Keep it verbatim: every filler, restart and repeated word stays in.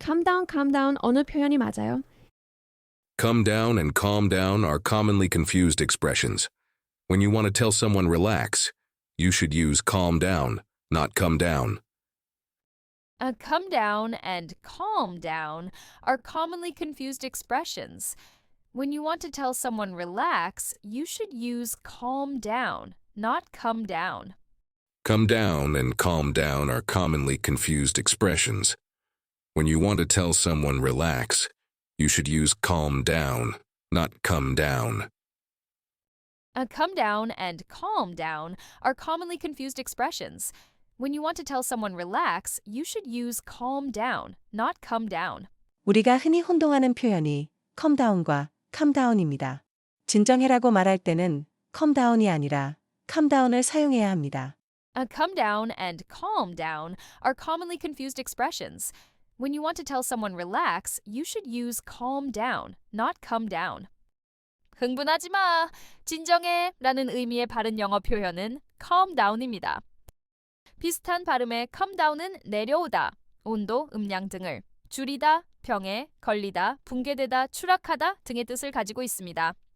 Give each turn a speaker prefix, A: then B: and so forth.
A: calm down, calm down 어느 표현이 맞아요?
B: Come down and calm down are commonly confused expressions. When you want to tell someone relax, you should use calm down, not come down.
C: A come down and calm down are commonly confused expressions. When you want to tell someone relax, you should use calm down, not come down.
B: Come down and calm down are commonly confused expressions. When you want to tell someone relax, you should use calm down, not come down.
C: A come down and calm down are commonly confused expressions. When you want to tell someone relax, you should use calm down, not come down.
D: 우리가 흔히 혼동하는 표현이 calm down과 calm down입니다. 진정해라고 말할 때는 calm down이 아니라 calm down을 사용해야 합니다.
C: A come down and calm down are commonly confused expressions. When you want to tell someone relax, you should use calm down, not come down. 흥분하지 마, 진정해 라는 의미의 바른 영어 표현은 calm down입니다. 비슷한 발음의 come down은 내려오다, 온도, 음량 등을, 줄이다, 병에, 걸리다, 붕괴되다, 추락하다 등의 뜻을 가지고 있습니다.